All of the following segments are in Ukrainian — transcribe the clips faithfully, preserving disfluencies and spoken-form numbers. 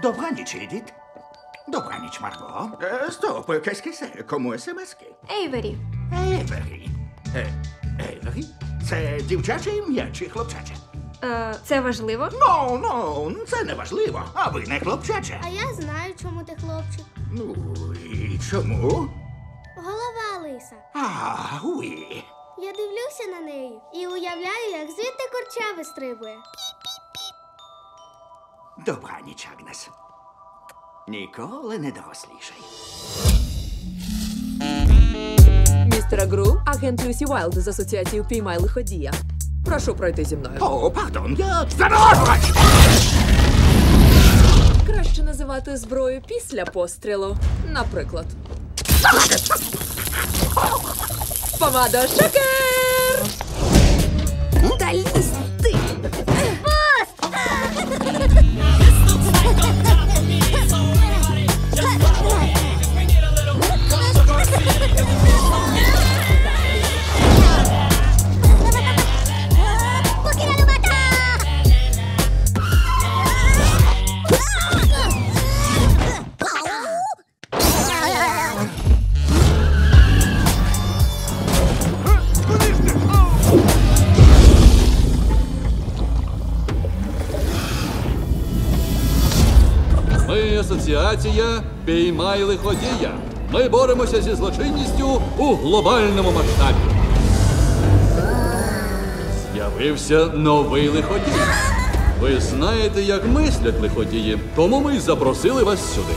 Добраніч, Едіт. Добраніч, Марго. Е, стоп, кесь-кесе, кому смски? Ейвері. Ейвері. Е, Ейвері? Це дівчаче ім'я чи хлопчаче? Е, це важливо? Ну, ну, це не важливо, а ви не хлопчаче. А я знаю, чому ти хлопчик. Ну, і чому? Голова лиса. А, уї. Я дивлюся на неї і уявляю, як звідти курча вистрибує. Добраніч, Агнес. Ніколи не дорослішай. Містер Гру, агент Люсі Уайлд з асоціації «Впіймай лиходія». Прошу пройти зі мною. О, пардон, я заморожувач! Краще називати зброю після пострілу. Наприклад. Помада Шокер! Та лізь ти! Ми асоціація «Піймай лиходія». Ми боремося зі злочинністю у глобальному масштабі. З'явився новий лиходій. Ви знаєте, як мислять лиходії, тому ми й запросили вас сюди.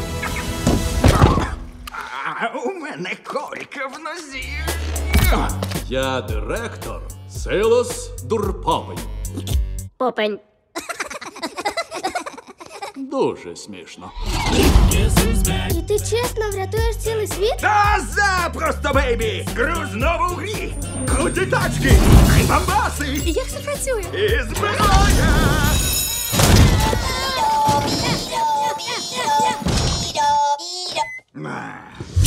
А у мене колька в нозі. Я директор Силос Дурповий. Попень. Дуже смішно. І ти чесно врятуєш цілий світ? Та запросто, бейбі! Гру знову в грі! Круті тачки! Прибамбаси! Як це працює? І зброя! А.